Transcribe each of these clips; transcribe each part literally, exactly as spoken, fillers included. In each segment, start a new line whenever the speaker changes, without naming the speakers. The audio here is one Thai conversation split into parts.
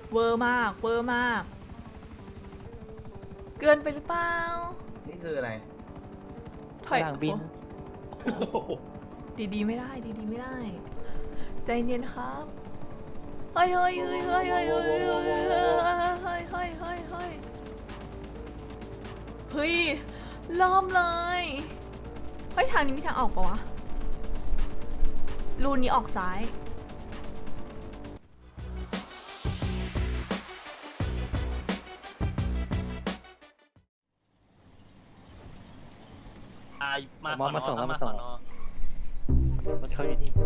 เวอร์มากเวอร์มากเกินไปหรือเปล่า
นี่คืออะไร
ถอย
หลังบิน
ดีดีๆไม่ได้ดีดีๆไม่ได้ใจเย็นครับเฮ้ยเฮ้ยเฮ้ยเฮ้ยเฮ้ยเฮ้ยเฮ้ยเฮ้ยเฮ้ยเฮ้ยเฮ้ยเฮ้ยเฮ้ยเริ่มเลยเฮ้ยทางนี้มีทางออกปะวะรูนี้ออกซ้าย
มามามาส่งแล้วมาส่งรถเขาอยู่นี่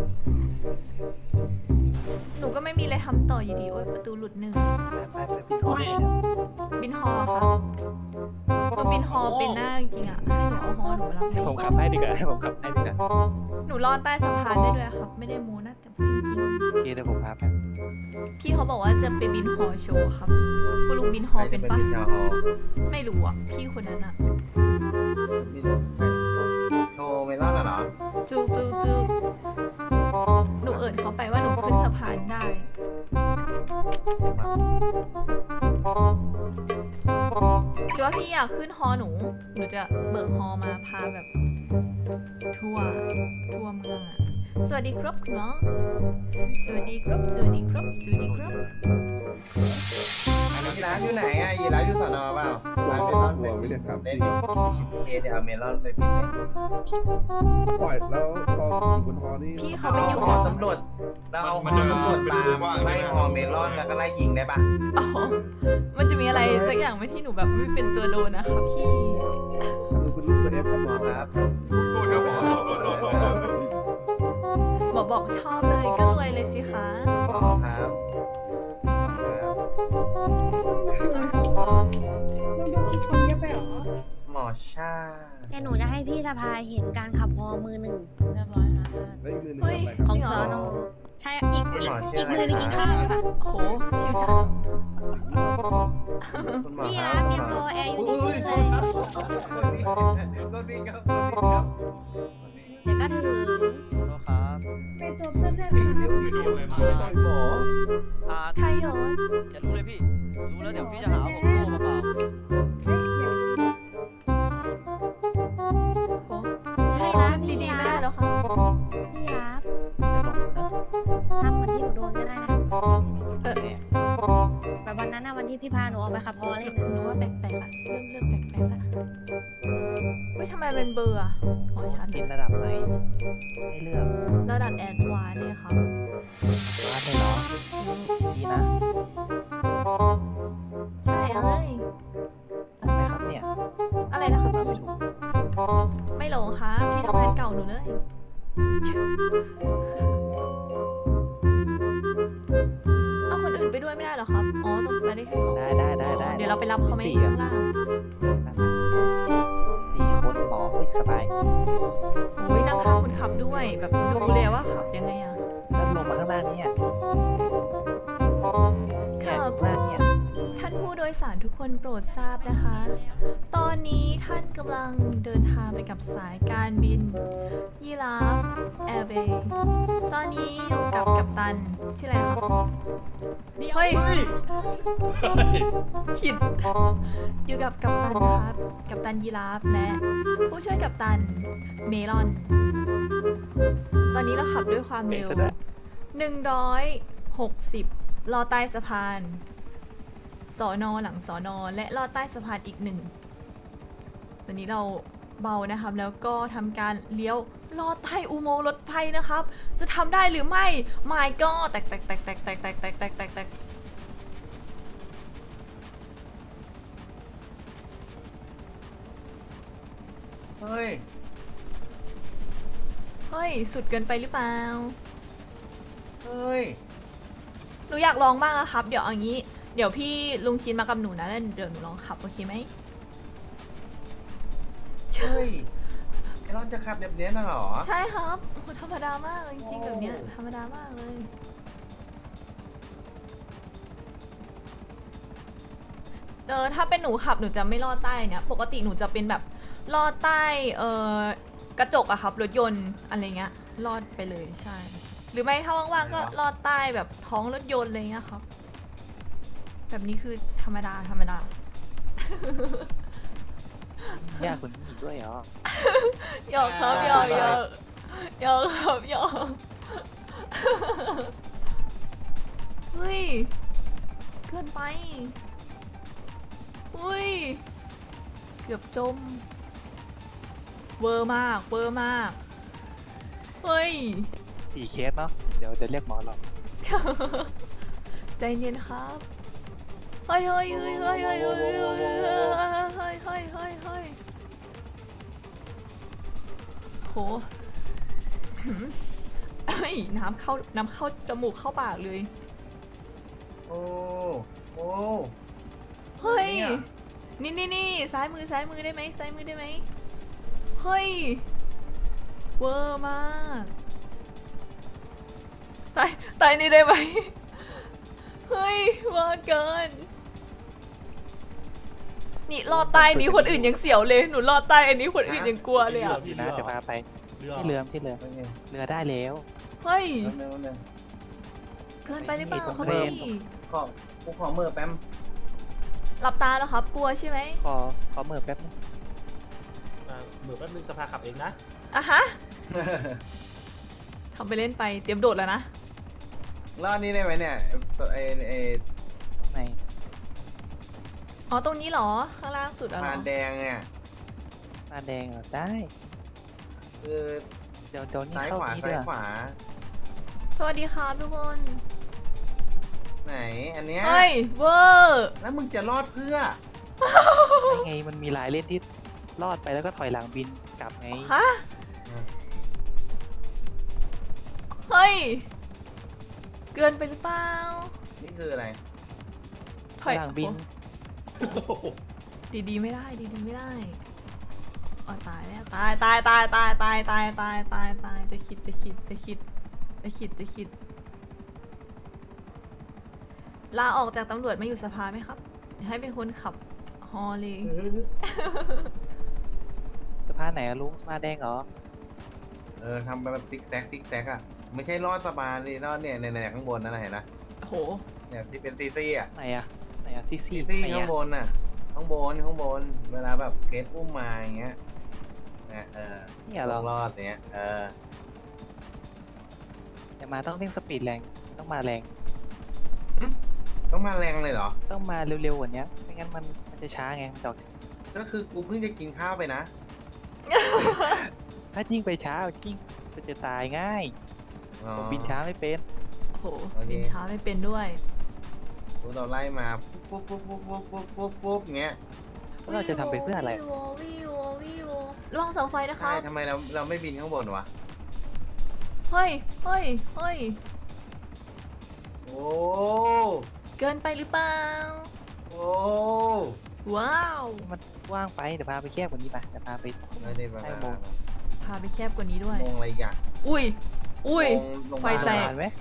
หนูก็ไม่มีอะไรทำต่ออยู่ดีโอ้ยประตูหลุดหนึ่ง
ไปไปไปพี่โทรเลย
บินฮอครับหนูบินฮอเป็นหน้าจริงๆอ่ะให้หนูเอาฮอหนูมารับ
ให้ผมขับให้ดีกว่าให้ผมขับให้ดีกว่า
หนูรอดใต้สะพานได้ด้วยครับไม่ได้โม้นะแต่พูดจริง
โอเคเดี๋ยวผมพาไป
ๆพี่เขาบอกว่าจะไปบินฮอโชว์ครับคุณลุงบินฮอเป็นปะไม่รู้อ่ะพี่คนนั้นอ่ะ
โชว์เมลอนเหรอ
จูจูจูหนูเอิญเขาไปว่าหนูขึ้นสะพานได้หรือว่าพี่อยากขึ้นฮอหนูหนูจะเบิกฮอมาพาแบบทั่วทั่วเมืองอ่ะสวัสดีครับคุณน้องสวัสดีครับสวัสดีครับสวัสดีครับ
ยีราฟอยู่ไหนอ่ะยีราฟอยู่สอนอเปล่าร้านเมลอนไปไม่ได้ครับเล่นเอเดี๋ยวเอาเมลอนไปปิดเลย
ปล่อยแล้วพออยู่บนฮอนี่
พี่เขาเป็นอยู่
หอตำรวจเราเอาหอตำรวจตามไล่หอเมลอนแล้วก็ไล่ยิงได้ปะ
อ๋อมันจะมีอะไรสักอย่างไหมที่หนูแบบไม่เป็นตัวโดนนะคะพี่
คือคุณลูกตัวเอฟครับหมอ
ครับ
หมอบอกชอบเลยก็รวยเลยสิคะ
หมอครับ
คิดคนเยอะไปหรอ
หมอชา
แต่หนูจะให้พี่สะพายเห็นการขับฮอมือหนึ่งเรียบร้อยค่ะ
แล้วอีกมือหนึง
เฮ้ย
ทำอะไรครับ
ของ
จริงเหร
ซ
อ
อนอใช่อีกอีกอีกมือหนึงกินข้าวค่ะ
โอ้โหชิวจัง
คุณหมอ
นี่
ค
นะ
รับ
เตรียมตัวแอร์อยู่ที่นี่เลย
รถวิ่งครับรถวิ่งครับ
เดี๋ยวก็ถึง
โทษครับ
เป็นตัวเพื่อนได้
เดี๋ยวเดี๋ยวเลยมาต่อยหมอ
อ่า
ไทยโยน
อย่ารู้เลยพี่รู้แล้วเดี๋ยวพี่จะหาว่าผมโง่มาเปล่า
โอ้
ให้
โห
รับ
ดี
พี่
ๆไม่
รั
ได้
บ
แล้วค่ะ
พี่รับ
จะหลงนะ
ทำเหมือนที่หนูโดนก็ได้นะ
เออ
เนี่ย
แบบวันนั้นนะวันที่พี่พาหนูออกไปขับฮอเล่น
หนูว่าแปลกๆละเริ่มเริ่มแปลกๆละเฮ้ยทำไมเป็นเบอร์อะอ๋อชัด
กินระดับไหนให้เลือก
ระดับแอดวานซ์เลยครับ
ร้านเลยเหรอดีนะ
ใช่เอ้ย
ทำไมครับเนี่ย
อะไรนะครับ
ไม่
พี่
ถูก
ไม่หลงครับพี่ทำงานเก่าหนูเลย เอาคนอื่นไปด้วยไม่ได้เหรอครับ อ๋อต้องไปได้แค่สอง
ได้ได้ได้ได้
เดี๋ยวเราไปรับเขาไหม
สี่
ข้างล่าง
สี่คนหมอเฮ้ยสบาย
โอ้ยนั่งข้างคนขับด้วย แบบดูเลยว่าขับยังไงอะ
แล้วลงมาข้างล่างเนี่ย
ค่ะ
ข้าง
ผู้
ล่างเนี่ย
ท่านผู้โดยสารทุกคนโปรดทราบนะคะ ตอนนี้ท่านกำลังเดินทางไปกับสายการบินยีราฟแอร์เวย์ตอนนี้อยู่กับกัปตันชื่ออะไรนะครับเฮ้ยขิดอยู่กับกัปตันนะครับกัปตันยีราฟและผู้ช่วยกัปตันเมลอน ตอนนี้เราขับด้วยความเร็วหนึ่งร้อยหกสิบรอใต้สะพานสอนอหลังสอนอและลอดใต้สะพานอีกหนึ่งตอนนี้เราเบานะครับ แล้วก็ทำการเลี้ยวลอดใต้อุโมงค์รถไฟนะครับ จะทำได้หรือไม่ไม่ก็แตกแตกแตกแตกแตกแตกแตกแตกแตกแตก
เฮ้ย
เฮ้ย สุดเกินไปหรือเปล่า
เฮ้ย
หนูอยากลองบ้างนะครับ เดี๋ยวเอางี้เดี๋ยวพี่ลุงชินมากับหนูนะแล้วเดี๋ยวหนูลองขับโอเคไหม
เฮ้ยไอรอนจะขับแบบนี้น่ะเหรอ
ใช่ครับโอ้โหธรรมดามากเลยจริงๆแบบเนี้ยธรรมดามากเลยเออถ้าเป็นหนูขับหนูจะไม่ลอดใต้เนี่ยปกติหนูจะเป็นแบบลอดใต้เออกระจกอะครับรถยนต์อะไรเงี้ยลอดไปเลยใช่ หรือไม่ถ้าว่างๆก็ลอดใต้แบบท้องรถยนต์อะไรเงี้ยครับแบบนี้คือธรรมดาธรรมดา
ยากคนนี้อีกด้วยเหรอ
หยอกครับหยอกหยอกหยอกครับหยอก เฮ้ยเกินไปอุ้ยเกือบจมเวอร์มากเวอร์มากเฮ้ย
สี่เคสเนาะ เดี๋ยวจะเรียกหมอหรอก
ใจเย็นครับเฮ้ยเฮ้ยเฮ้ยเฮ้ยเฮ้ยเฮ้ยเฮ้ยเฮ้ยเฮ้ยเฮ้ยเฮ้ยเฮ้ยโหเฮ้ยน้ำเข้าน้ำเข้าจมูกเข้าปากเลย
โอ้โอ้
เฮ้ย
เนี่ย
นี่นี่นี่ซ้ายมือซ้ายมือได้ไหมซ้ายมือได้ไหมเฮ้ยเวอร์มากตายตายนี่ได้ไหมเฮ้ยว่าเกินนี่รอดใต้นี้คนอื่นยังเสียวเลยหนูรอดใต้อันนี้คนอื่นยังกลัวเลยอ่ะ
นะจะพาไปที่เรือที่เรือ
โอเค
เรือได้แล้ว
เฮ้ย
แป๊บนึงแป๊บนึง
เกินไปหรือเปล่า
ไม่
เขา
ต้อง
พี่
เล่น
ขอกูขอมือแป๊ม
หลับตาแล้วครับกลัวใช่ไหม
ขอขอเมิร์แป๊บนึง
อ่าเหมือนแป๊บนึงสภาขับเองนะ
อ่ะฮะทำไปเล่นไปเตรียมโดดแล้วนะ
รอบนี้ได้ไหมเนี่ยไอไอ
ตรงไหน
อ๋อตรงนี้เหรอข้างล่างสุดอะเหร
พา
อ
นแดงเนี่ย
ตาแดงเหรอได้
คือ
เดี๋ยวเดี๋ยวนี่
ซ้าย
เข้า
ขวา
นี้
ซ้า
ด้
ย
วย
ขวา
สวัสดีครับทุกคน
ไหนอันเนี้ย
เฮ้ยเวอร์
แล้วมึงจะรอดเพื่อ
ได้ไงมันมีหลายเล่นที่รอดไปแล้วก็ถอยหลังบินกลับไง
ฮะเฮ้ยเกินไปหรือเปล่า
นี่คืออะไร
ถอย
หลังบิน
ดีดีๆไม่ได้ดีดีๆไม่ได้อ๋อตายแล้วตายตายตายตายตายตายตายตายตายจะคิดจะคิดจะคิดจะคิดจะคิดลาออกจากตำรวจมาอยู่สภาไหมครับให้เป็นคนขับฮอเลย
สะพานไหนอะลุงสะพานแดงเหรอ
เออทำแบบติ๊กแซกติ๊กแซกอ่ะไม่ใช่รอดสะพานดิรอดเนี่ยในในข้างบนนั่นนะเห็นนะ
โอ้โห
เนี่ยที่เป็นซีซี่อ่ะ
ไหนอะไหนอะซีซี
ซีซี่
ไหน
ข้าง
อะ
บนน่ะข้างบนข้างบนเวลาแบบเคสอุ้มมาอย่างเงี้ยเนี่ยเออ
เนี่ยเหรอ
รอดเนี้ยเออ
แต่มาต้องเร่งสปีดแรงต้องมาแรง
ต้องมาแรงเลยเหรอ
ต้องมาเร็วๆกว่านี้ไม่งั้นมันมันจะช้าไงดอก
ก็คือกูเพิ่งจะกินข้าวไปนะ
ถ้ายิ่งไปช้ายิ่งมันจะตายง่าย
อ๋อ
ผมบินช้าไม่เป็น
โอ้โห
โอเค
บินช้าไม่เป็นด้วย
กูเราไล่มาปุ๊บปุ๊บปุ๊บปุ๊บปุ๊บปุ๊บปุ๊บเงี้ย
แล้วเราจะทำไปเพื่ออะไร
วิววิววิวระวังเสาไฟนะค
ใช่
รับ
ทำไมเราเราไม่บินข้างบนวะ
เฮ้ยเฮ้ยเฮ้ย
โอ้
เกินไปหรือเปล่า
โอ้
ว้าว
มันว่างไปเดี๋ยวพาไปแคบกว่านี้ไปเดี๋ยวพาไป
ไม่ได้มา
ใช่โมง
พาไปแคบกว่านี้ด้วย
โมงอะไรอีกอ่ะ
อุ้ย อุ้ย
โมงลง
ไฟ
มา
แตก
นานไหม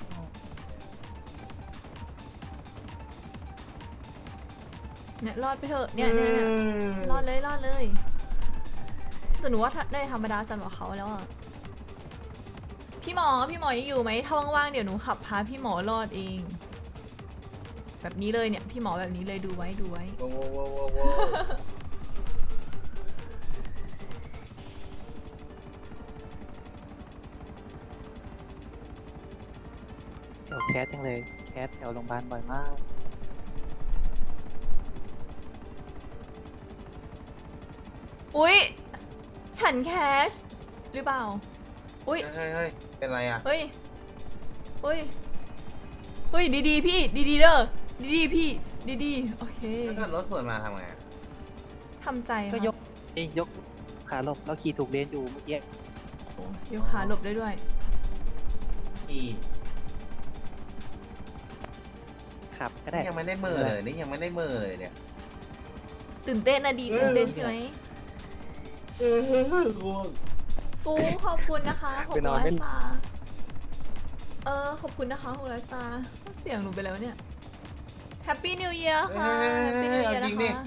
เนี่ยรอดไปเถอะ เนี่ยเนี่ยเนี่ยรอดเลยรอดเลย แต่หนูว่าถ้าได้ธรรมดาสำหรับเขาแล้วอ่ะ พี่หมอ พี่หมอยังอยู่ไหมถ้าว่างๆเดี๋ยวหนูขับพาพี่หมอรอดเอง แบบนี้เลยเนี่ย พี่หมอแบบนี้เลยดูไว้ดูไว้
โว้โว้โว้โว้โว้
เสี่ยวแคสจังเลยแคสแถวโรงพยาบาลบ่อยมาก
อุ๊ย ฉันแคชหรือเปล่า อุ๊ย
เฮ้ยเฮ้ยเป็นไรอ่ะ
เฮ้ย เฮ้ย เฮ้ย ดีๆ พี่ ดีๆเด้อ ดีๆ พี่ ดีๆ โอเค
ถ้าเกิดรถสวนมาทำไงอะ
ทำใจ
ก็
ครับ
ยกเอ้ยยกขาหลบแล้วขี่ถูกเลนอยู่เมื่อกี้
โอ้ยกขาหลบได้ด้วย
อี
ขับก็ได้
นี่ยังไม่ได้เมื่อเลยนี่ยังไม่ได้เมื่อเลยเนี่ย
ตื่นเต้นนะดี ตื่นเต้นใช่ไหม
เออง่วง
ฟูขอบคุณนะคะหกร้อยสตาร์เออ ขอบคุณนะคะหกร้อยสตาร์เสียงหนูไปแล้วเนี่ย Happy New Year ค่ะ Happy New Year นะคะ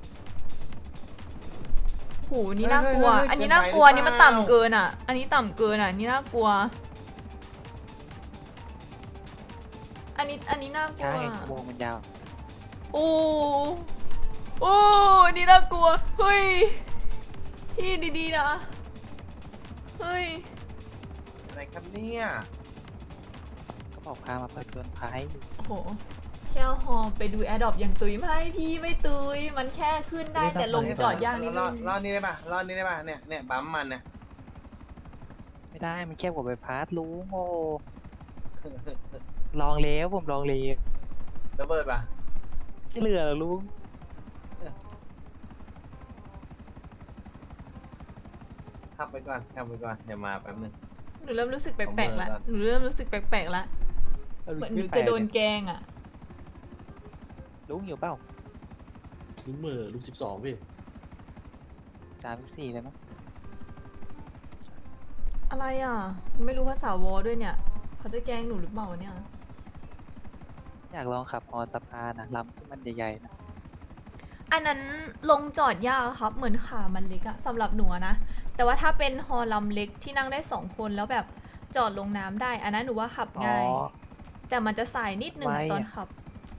โหนี่น่ากลัว อันนี้น่ากลัว นี่มันต่ำเกินอ่ะ อันนี้ต่ำเกินอ่ะ นี่น่ากลัว อันนี้ อันนี้น่ากลั
ช้าว ไงวงมันยาว
โอ้โอ้นี่น่ากลัวเฮ้ยพี่ดีๆนะเฮ้ย
อะไรครับเนี่ย
ก็บอกพามาเปิดเกินภัย
โอ้โหแค่ฮอไปดูแอร์ดรอปอย่างตุยไม่พี่ไม่ตุยมันแค่ขึ้นได้แต่ลงจอดยากนิด
ร
นึ
อง ดรอดนี้ได้ป่ะรอดนี้ได้ป่ะเนี่ยเนี่ยปั๊มมันเนี่ย
ไม่ได้มันแค่ผมไปพาร์ทลุงโอ้ลองแล้วผมลองเลย
ระเบิดป่ะ
ไม่เหลือหรอลุง
ขับไปก่อนขับไปก่อนเดี๋ยวมาแป๊บนึง
หนูเริ่มรู้สึกแปลกๆละ
เอามือก่อน
หนูเริ่มรู้สึกแปลกๆละเหมือนหนูจะโดนแกล้งอ่ะ
ลุงอยู่เปล่า
ลุงเหมือลุงสิบสองพี่
สามสิบสี่เลยมั้ง
อะไรอ่ะ ไม่รู้ภาษาวอด้วยเนี่ยเขาจะแกล้งหนูหรือเปล่าเนี่ย
อยากลองขับฮอสะพานนะลำที่มันใหญ่ๆนะ
อันนั้นลงจอดยากครับ เหมือนขามันเล็กอะสำหรับหนูอะนะ แต่ว่าถ้าเป็นฮอลำเล็กที่นั่งได้สองคนแล้วแบบจอดลงน้ำได้ อันนั้นหนูว่าขับ
อ๋อ
ง่าย แต่มันจะสายนิดนึงอะ
ไวอะ
ตอนขับ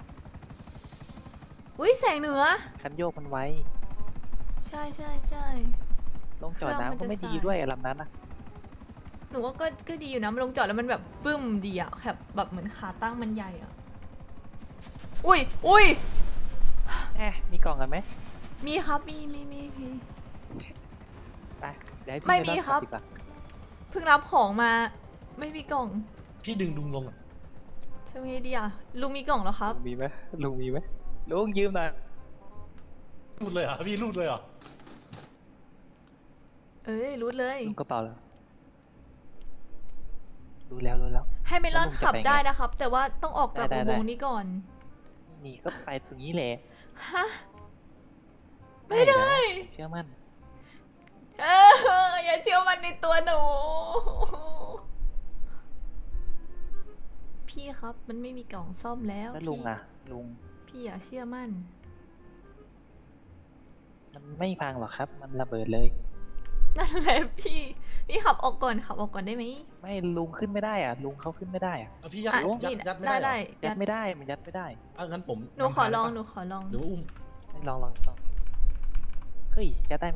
อุ้ยแสงเหนือ
คันโยกมันไว
ใช่ใช่ใช่
ลงจอดน้ำก็ไม่ดีด้วยอะลำนั้นนะ
หนูว่าก็ก็ดีอยู่นะมันลงจอดแล้วมันแบบปึ้มดีอะแบบแบบเหมือนขาตั้งมันใหญ่อะอุ้ยอุ้ย
แอะมีกล่องกันไหม
มีครับมีมีมีพี่
ไปเดี๋ยวให้พี่
ไม่
ป
มี
ลอง
ครับ
ขัดีกว่า
เพิ่งรับของมา ไม่มีกล่อง
พี่ดึงลุงลงอ่ะ
ทำไงดีอะลุงมีกล่องแล้วครับ
ลุงมีไหมลุงมีไหมลุงยืมหน่อย
รูดเลยเหรอ่ะพี่รูดเลยเหรอ่ะ
เอ้ยรู้เลย
ลุงกระเป๋าแล้วรู้แล้วรู้แล้ว
ให้เมลอน
แล้วลุงจะ
ขับ
ไปไง
ได้นะครับ แต่ว่าต้องออกจาก
ได้
อุ
ได้
โมงค์นี้ก่อน
นี่ก็ไปตรงนี้แหละ
ฮะ ไม่ได้
เชื่อมั่น
เอออย่าเชื่อมันในตัวหนู พี่ครับมันไม่มีกล่องซ่อมแล้ว
แล้วลุง
พี่
อ่ะ ลุง
พี่อย่าเชื่อมั่น
มันไม่พังหรอกครับ มันระเบิดเลย
นั่นแหละพี่ พี่ขับออกก่อนขับออกก่อนได้ไหม
ไม่ลุงขึ้นไม่ได้อ่ะ ลุงเขาขึ้นไม่ได้อ่ะ
เอาพี่ยัด
อ่ะ
ยัด
นี่
ยัดไม่
ได้
ได้
ได้
เหรอ
ยั
ยั
ด
ด
ไม่ได้ มันยัดไม่ได้
อ่ะงั้นผม
หนูขอลอง
ำ
ห
ทา
นูขอลอง
หรือว่าอุ้ม
ไม่ลองลองลองเฮ้ย ยัดได้ไหม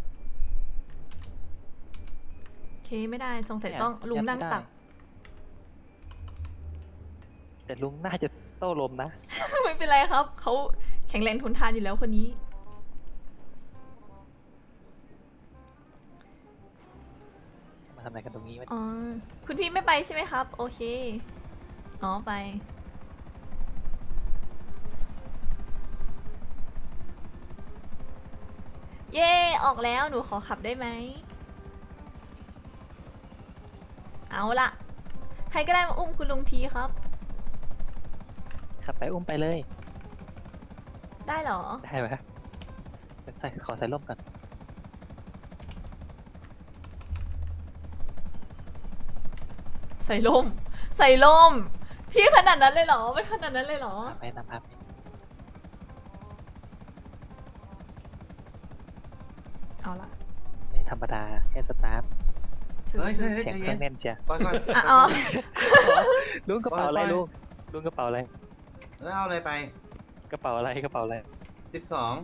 โอเคไม่ได้สงสัย
เนี่ย
ต้องลุง
ยัดไม่
นั่ง
ได้
ตัก
แต่ลุงน่าจะโต้ลมนะ
ไม่เป็นไรครับเขาแข็งแรงทนทานอยู่แล้วคนนี้
มาทำอะไรกันตรงนี้วะ
อ๋อ คุณพี่ไม่ไปใช่ไหมครับ โอเค อ๋อไป เย่ออกแล้วหนูขอขับได้ไหม เอาละใครก็ได้มาอุ้มคุณลุงทีครับ
ขับไปอุ้มไปเลย
ได้เหรอ
ได้ไหมเดี๋ยวใส่ขอใส่ร่มก่อน
ใส่ลม ใส่ลม พี่ขนาดนั้นเลยเหรอไม่ขนาดนั้นเลยเหรอ
พาไปนะพาไป
เอาละ
ไม่ธรรมดา แค่สตาร์ท
ถือ
เฮ้ย
ถื
เฮ้
อย
เฮ้ย
เสียง
ใจ
เครื่
เย็
อน งแน่นเชีย
ก่อนก่อน
อ่ะอ๋อ
ลุงกระเป๋าอะไร
ไปไป
ลุงลุงกระเป๋าอะไร
แล้วเอาอะไรไป
กระเป๋าอะไรกระเป๋าอะไร
สิบสอง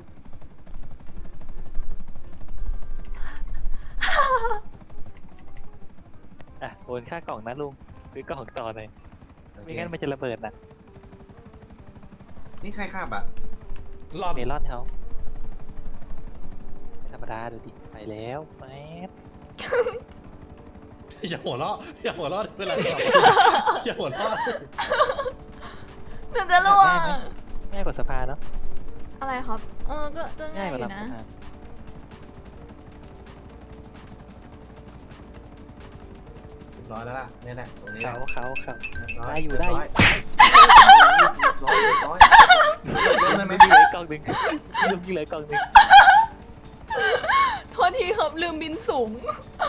อ่ะโอนค่ากล่องนะลุงซื้อกล่องต่อหน่อยไม่งั้นมันจะระเบิดนะ
นี่ใครขับอ่ะ
รอด
เมลอนเขาไม่ธรรมดาดูดิไปแล้วแป๊บ
อย่าหัวเราะอย่าหัวเราะเวลาขับอย่าหัวเราะ
หนูจะล่วง
ง่ายกว่าสะพานเนาะ
อะไรครับ เออ ก็ก็
ง่า
ง่าย ย
ก
อ
ว่า
ยู่
ลำ
นะ
สะพาน
เรียบร้อยแล้วล่ะเนี่ยแหละตรงนี้
เขาเขาเขา
เรีบร้
ได้อยู่ได้อยู่
เรียบร้อยเรียบร้อยได้ไหม
ลุงเหลือกล่องหนึ่งลุงเหลือกล่องหนึ่ง
โทษทีครับลืมบินสูง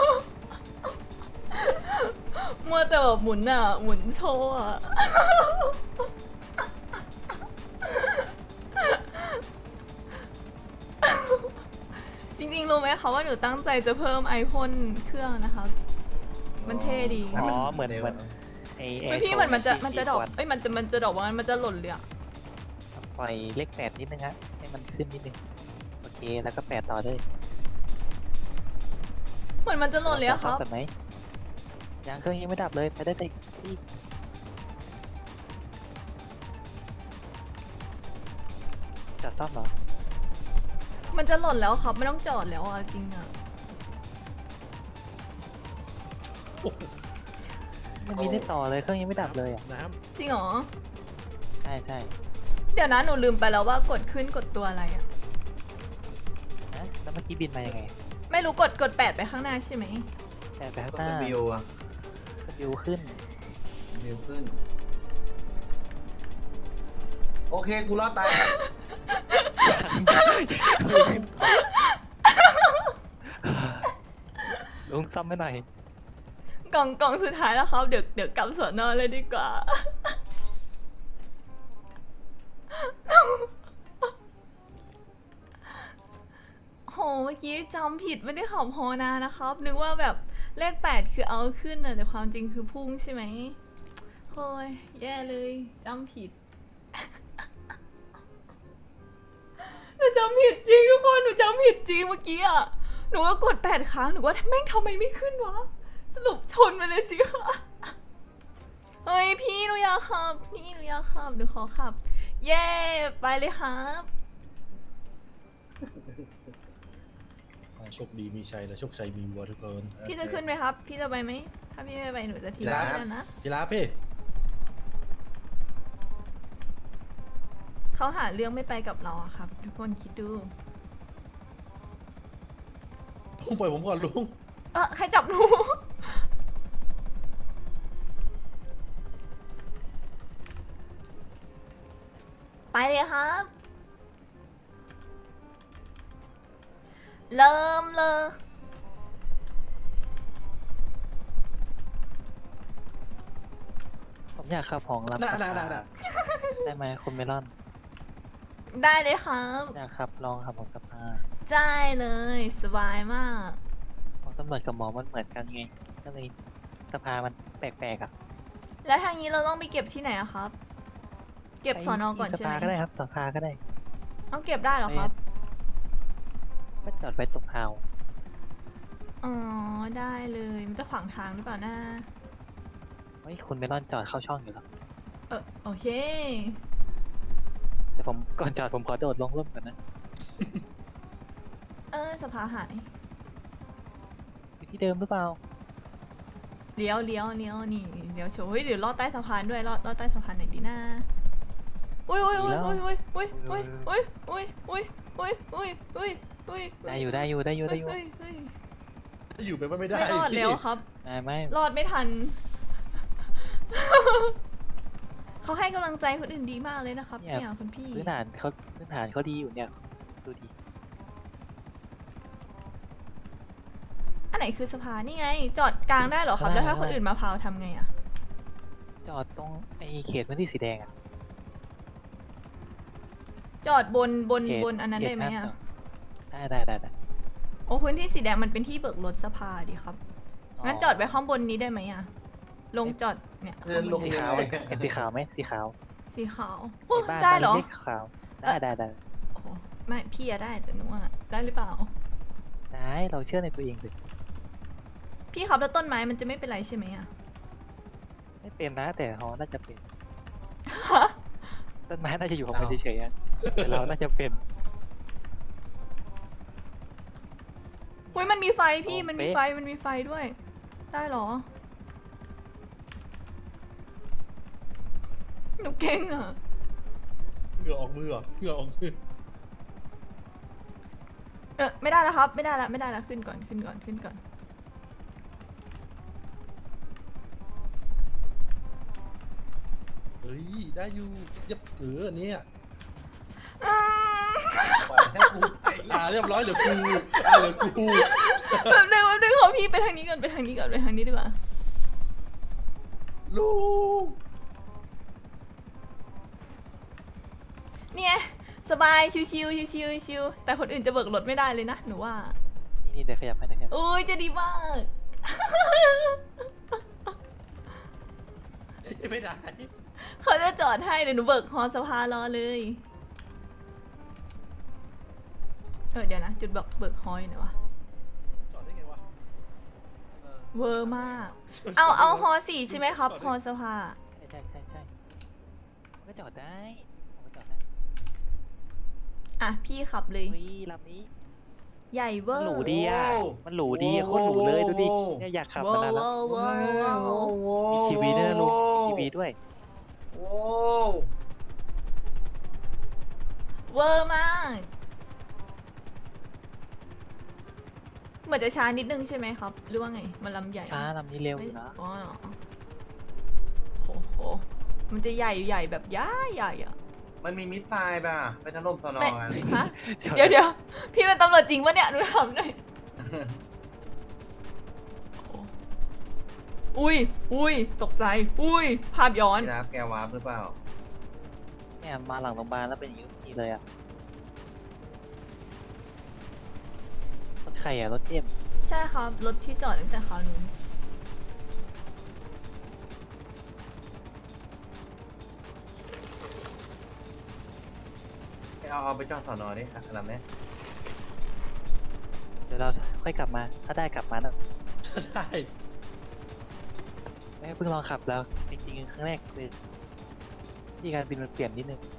มัวแต่แบบหมุนอ่ะ หมุนโชว์อ่ะ จริงๆรู้ไหมคะว่าหนูตั้งใจจะเพิ่มไอพ่นเครื่องนะครับ มันเท่ดี
อ๋อเหมือนเหมือนไอแอ
ไม่
ร์
พี่
โชว์
เหมือนมันจะ
ที่
มันจะดอก
ที่
เอ้ยมันจะมันจะดอกว่างั้นมันจะหล่นเลยอ่ะ
ขปล่อยเลขแปดนิดนึงฮะให้มันขึ้นนิดนึงโอเคแล้วก็แปดต่อเลย
เหมือนมันจะหล่นเลยอะครับ
จอดซ่อมกันไหมยังเครื่องยังไม่ดับเลยไปได้แต่อีกจอดซ่อมเหรอ
มันจะหล่นแล้วครับไม่ต้องจอดแล้วอะจริงอะ
ไม่มีได้ต่อเลยเครื่องยังไม่ดับเลยอ่ะ
น้
จริงเหรอ
ใช่ใช่
เดี๋ยวนะหนูลืมไปแล้วว่ากดขึ้นกดตัวอะไรอะ
นะแล้วเมื่อกี้บินมายังไง
ไม่รู้กดกดแปดไปข้างหน้าใช่ไหม
แต่ไปข้าง
ก็
หน้า
เป็นวิวอะ
วิวขึ้น
วิวขึ้น โอเคกูรอดตาย
ลุงซ่อมไม่หน่อย
กล่องกล่องสุดท้ายแล้วครับเดี๋ยวเดี๋ยวกลับสอนอเลยดีกว่า โหเมื่อกี้จำผิดไม่ได้ขับฮอนานะครับ นึกว่าแบบเลขแปดคือเอาขึ้นนะแต่ความจริงคือพุ่งใช่ไหมโอ้ยแย่เลยจำผิด หนูจำผิดจริงทุกคนหนูจำผิดจริงเมื่อกี้อ่ะหนูก็กดแปดครั้งหนูว่าแม่งทำไมไม่ขึ้นวะสรุปชนไปเลยสิคะเฮ้ยพี่หนูอยากขับพี่หนูอยากขับหนูขอขับ เย้ไปเลยครับ
ำโชคดีมีชัยและโชคชัยมีวัวทุกคน
พี่จะขึ้นไหมครับ พี่จะไปไหมถ้าพี่ไม่ไปหนูจะทิ้ง
ได้
พี่แล้วนะ
กีฬาพี่
เขาหาเรื่องไม่ไปกับเราอะครับ ทุกคนคิดดู
ลุงปล่อยผมก่อนลุง
เออใครจับหนู ไปเลยครับ เริ่มเลย
ผมอยากขับของรับ
น่าน่าน่าน่า
ได้ไหมคุณเมลอน
ได้เลยครับ
อยากขับลองขับของสภา
ได้เลย สบายมาก
ของตำรวจกับหมอมันเหมือนกันไงก็เลยสภามันแปลกๆอ่ะ
แล้วทางนี้เราต้องไปเก็บที่ไหนอะครับ เก็บ
ไป
สอนอก่อน
ที่
ใช่
ส
ไหม
ภาก็ได้ครับสภาก็ได้
ต้องเก็บได้เหรอครับ
ก็จอดไว้ตรงเฮา
อ๋อ ได้เลย มันจะขวางทางหรือเปล่านะ
เฮ้ยคุณเมลอนจอดเข้าช่องอยู่แล้ว
เออโอเค
แต่ผมก่อนจอดผมขอโดดลงร่มก่อนนะ
เออสภาหาย
อยู่ที่เดิมหรือเปล่า
เลี้ยวเลี้ยวเลี้ยวนี่เลี้ยวโชว์เฮ้ยเดี๋ยวลอดใต้สะพานด้วยลอดลอดใต้สะพานไหนดีนะอุ้ยอุ้ยอุ้ยอุ้ยอุ้ยอุ้ยอุ้ยอุ้ยอุ้ยอุ้ยอุ้ยอุ้ยอุ้ยอุ้ย
ได้อยู่ได้อยู่ได้อยู่ได้อยู่
เฮ้ยเฮ้ย
อยู่ไปไม่ได้
ไม่รอดแล้วครับ
ได้ไหม
รอดไม่ทัน เขาให้กำลังใจคนอื่นดีมากเลยนะครับเนี่ยคุณพี่
พื้นฐานเขาพื้นฐานเขาดีอยู่เนี่ยดูดี
อันไหนคือสะพานนี่ไง จอดกลางได้เหรอครับ แล้วถ้าคนอื่นมาพาวทำไงอะ
จอดตรงไอ้เขตพื้นที่สีแดงอะ
จอดบนบน
เขต
บนอันนั้นได้ไหม
เขต
อะ
ห้าได้ได้ได้ได้
โอ้พื้นที่สีแดงมันเป็นที่เบิกรถสภาดิครับ งั้นจอดไว้ข้างบนนี้ได้ไหมอะลงจอดเนี่ย
เดินลง
สีขาวเห็นสีขาวไหมสีขาว
สีขาว
ใน
โอ้
บ้าน
ได้เหรอ
บ้านล็กๆขาวได้ได้ได้
โอ้ไม่พี่อะได้แต่หนูอะได้หรือเปล่า
ได้เราเชื่อในตัวเองสิ
พี่ครับแล้วต้นไม้มันจะไม่เป็นไรใช่ไหมอะ
ไม่เป็นนะแต่เขาน่าจะเป็นต้นไม้น่าจะอยู่ของมันเฉยๆอะแต่เราน่าจะเป็น
อุ้ยมันมีไฟพี่
โอ้
มันมี
เป๊ะ
ไฟมันมีไฟด้วย ได้เหรอ หนูเก่งอะ
เหงื่อออกมือเหรอเหงื่อออกมือ
เออไม่ได้แล้วครับ ไม่ได้แล้วไม่ได้แล้วขึ้นก่อนขึ้นก่อนขึ้นก่อน
เฮ้ยได้อยู่ยับเออเนี่ย
อืม
ปล่อยให้กูไป
อ่าเรียบร้อยเหลือกูอ่าเหลือกู
แบบนึงแบบนึงขอพี่ไปทางนี้ก่อนไปทางนี้ก่อนไปทางนี้ดีกว่า
ลูก
เนี่ยสบายชิวชิวชิวชิวชิวแต่คนอื่นจะเบิกรถไม่ได้เลยนะหนูว่า
นี่นี่เดี๋ยวขยับให้นะครับ
โอ้ยจะดีมาก
ไม่ได้
เขาจะจอดให้เดี๋ยวหนูเบิกฮอสภารอเลยเออเดี๋ยวนะ จุดเบิกเบิกฮอยหน่อยวะ
จอดได้ไงวะ
เวอร์มาก เอาเอาฮอสี่ใช่ไหมครับฮอสภา
ใช่ใช่ใช่ใช่มันก็จอดได้มันก็จอดได้
อ่ะ พี่ขับเลย
เฮ้ยลำนี้
ใหญ่เว
มั
อน ร์
หรูดีอ่ะมันหรูดีอะโคตรหรูเลยดูดิเนี่ยอยากขับ
เวอ
มานาน
ร์
แล้ว
เวอร์เวอร์เวอร์
มีทีวีด้วยนะลุงมีทีวีด้วย
โอ้
เวอร์มาก เหมือนจะช้านิดนึงใช่ไหมครับ หรือว่าไง มันลำใหญ่
ช้าลำนี้เร็ว
ไม่
นะ
อ๋อเหรอโอ้โห มันจะใหญ่ใหญ่แบบย่าใหญ่อะ
มันมีมิสไซล์ป่ะไปถล่มสนอ
ไม่
กัน
ฮะ เดี๋ยวเดี๋ยวพี่เป็นตำรวจจริงปะเนี่ยหนูถามหน่อยโอ้อุ้ยอุ้ยตกใจ อุ้ย ภาพย้อน
พี่รับแกวาร์ปหรือเปล่า
เนี่ยมาหลังโรงพยาบาลแล้วเป็นอย่างนี้ทุกทีเลยอ่ะรถใครอ่ะรถเอ็ม
ใช่ครับ รถที่จอดตั้งแต่คราวนู้น
เอาเอาไปจอดสอนอดิลำนี้
เดี๋ยวเราค่อยกลับมาถ้าได้กลับมานะ
ได้
แม่เพิ่งลองขับแล้วจริงๆครั้งแรกเลยที่การบินมันเปลี่ยนนิดนึง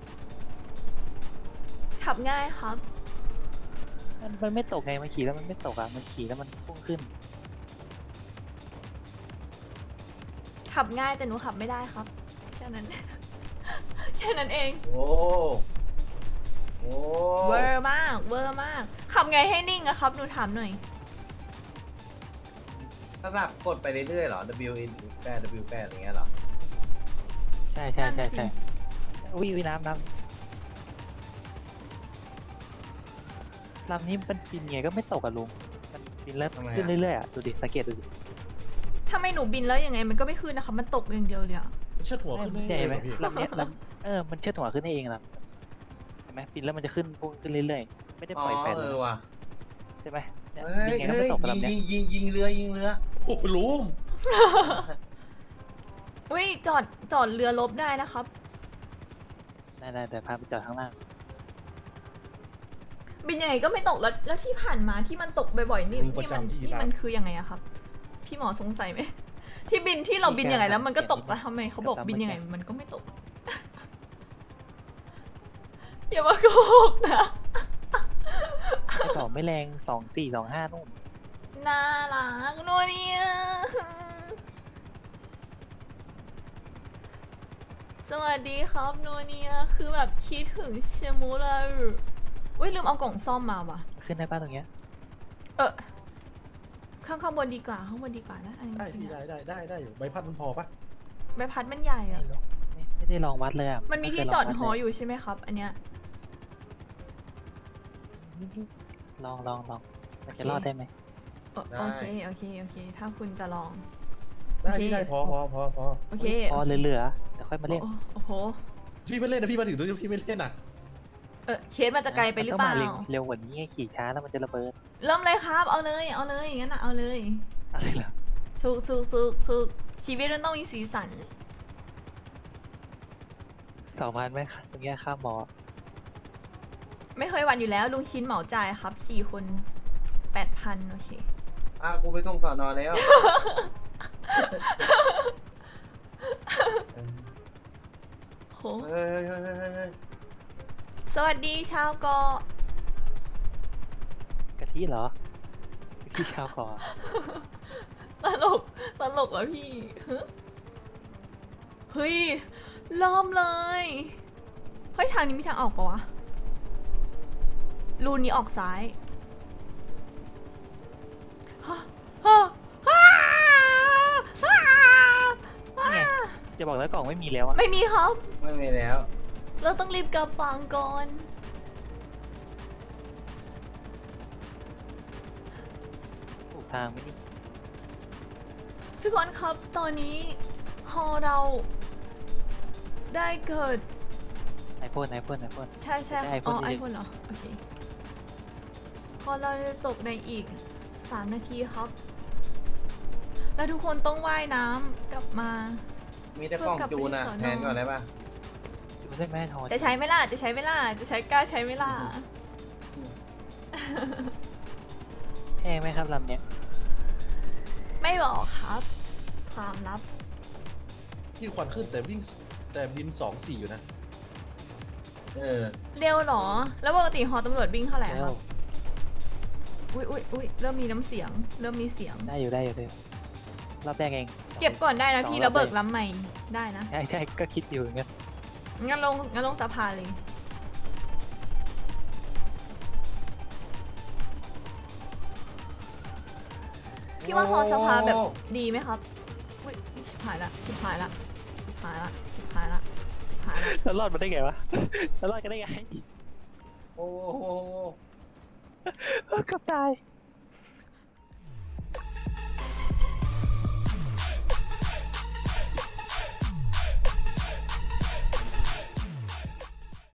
ขับง่ายครับ
มันมันไม่ตกไงมันขี่แล้วมันไม่ตกอ่ะมันขี่แล้วมันพุ่งขึ้น
ขับง่ายแต่หนูขับไม่ได้ครับ แค่นั้น แค่นั้นเอง
โอ้โอ้
เวอร์มาก เวอร์มาก ขับไงให้นิ่งอะครับ หนูถามหน่อย
ถ้าแบบกดไปเรื่อยๆเหรอ W แปด W แปดอย่างเงี้ยเหรอ
ใช่ใช่ใช่
นั่นสิ
ใช่วิวน้ำน้ำลำนี้มันบินไงก็ไม่ตกอะลุงมันบินแล้ว
ทำไมอะ
ขึ้นเรื่อยๆอะดูดิสังเกตดูดิ
ถ้าไม่หนูบินแล้วยังไงมันก็ไม่ขึ้นนะคะ มันตกอย่างเดียวเลยอะ
มันเชิดหัว
ไม่
ขึ้น
มัน
ได้
ใหญ่ไหม
พี่
ลำเนี้ยลำเออมันเชิดหัวขึ้นได้เองนะเห็นไหมบินแล้วมันจะขึ้นพุ่งขึ้นเรื่อยๆไม่ได้
อ๋อ
ปล่อยแปด
เอ
เลย
อว่ะ
ใช่ไหมเนี่ย
เฮ้
บิน
ย
ไงก็
เฮ้
ไม่
ย
ตกกับ
ยิง
ลำเนี้ย
ยิงยิงยิงเรือยิงเรือ
โอ้โหลุง
อุ้ยจอดจอดเรือลบได้นะครับ
ได้ได้แต่พาไปจอดข้างล่าง
บินยังไงก็ไม่ตกแล้วแล้วที่ผ่านมาที่มันตกบ่อยๆนี่
ลุงประ
นี่มัน
จำที่
นี่
ร้า
มัน นคือยังไงอะครับ พี่หมอสงสัยไหม ที่บินที่เราบินยังไงแล้วมันก็ตกแล้วทำไมเขาบอกบินยังไงมันก็ไม่ตก อย่ามาโกหกนะ
ไอ้สองไม่แรงสองสี่สองห้านู่น
น่ารักนัวเนี่ยสวัสดีครับนัวเนี่ยคือแบบคิดถึงเชมูเลยอุ้ยลืมเอากล่องซ่อมมาว่ะ
ขึ้นได้ป้าตรงเนี้ย
เออข้างข้างบนดีกว่าข้างบนดีกว่านะอันนี้
ได้
จริ
พี่
งๆ
ได้
อะ
ได้ได้ได้อยู่ใบพัดมันพอปะ
ใบพัดมันใหญ่
ไม่
อะ
รู้ไม่ไม่ได้ลองวัดเลยอ่ะ
มันมีที่
ไเค
จอด
ลง
ห
วั
อ
เล
อยู่ใช่ไหมครับ อันเนี้ย
ลองลองลองมันจะรอดได้ไหม
โอโอเคโอเคโอเค ถ้าคุณจะลอง
ได้
โอเค
พี่ได้พอพอพอพอ
โอเค
พอเหลือๆเดี๋ยวค่อยมาเล่น
โอ้โอ้โห
พี่ไม่เล่นนะพี่มาถึงตรงนี้พี่ไม่เล่นอ่ะ
เออเคสมันจะไกลไปหรือเปล่า
มันต้องมเร็วกว่านี้ไงขี่ช้าแล้วมันจะระเบิด
เริ่มเลยครับ เอาเลย เอาเลยงั้นนะเอาเลย
อะไรเหรอ
สุกสุกสุกสุกชีวิตมันต้องมีสีสัน
สองพันไหมคะตรงเนี้ยค่าหมอ
ไม่เคยหวันอยู่แล้ว ลุงชิ้นเหมาจ่ายครับสี่คนแปดพันโอเค
อ่ะกูไปส่งสอนอแล้ว
โห
เฮ้ยเฮ้ยเฮ้ยเฮ้ยเฮ้ย
สวัสดีชาวเกาะ
กะทิเหรอพี่ชาวก่อน
ตลกตลกเหรอพี่ฮะเฮ้ยเริ่มเลย เฮ้ย ทางนี้มีทางออกปะวะ รูนี้ออกซ้ายฮะฮะฮ่าฮ่า
นี่ไงจะบอกแล้วกล่องไม่มีแล้วอะ
ไม่มีครับ
ไม่มีแล้ว
เราต้องรีบกลับฟังก่อน
ถูกทางไหมนี่
ทุกคนครับตอนนี้ฮอเราได้เกิด
ไอโฟนไอโฟนไอโฟน
ใช่ใช่
ได้
อ๋อ
iPhone
ไอ
อีก
โฟนเหรอ โอเค พอเราจะตกในอีกสามนาทีครับ แล้วทุกคนต้องว่ายน้ำกลับมา
มีแต่กล้องจูนอ่ะ
เพื่อกลับไปที่สอนอ
แทนก่อนได้ปะ
ดูได้ไหมทอน
จะใช้ไหมล่ะ จะใช้ไหมล่ะ จะใช้กล้าใช้ไหมล่ะ
แพงไหมครับลำเนี้ย
ไม่บอกครับ ความลับ
ที่ควันขึ้นแต่วิ่งแต่บินสองสี่อยู่นะ
เออ
เร็วเหรอ แล้วปกติฮอตำรวจวิ่งเท่าไหร่ค
แล้
รั
ว
บ อุ้ยอุ้ยอุ้ยเริ่มมีน้ำเสียง เริ่มมีเสียง
ได้อยู่ได้อยู่ได้อยู่รอบแรกเอง
เก็บก่อนได้นะพี่
สองรอบ
แล้วเบิก
เลย
ล้ำใหม่ได้นะ
ใช่ใช่ก็คิดอยู่อย่างเงี้ย
งั้นลงงั้นลงสะพานเลย พี่ว่าฮอสภาแบบดีไหมครับอุ้ยชิบหายละชิบหายละชิบหายละชิบหายละชิบหายละ
แล้วรอดมาได้ไงวะแล้วรอดกันได้ไง
โอ้โห
เกือบตาย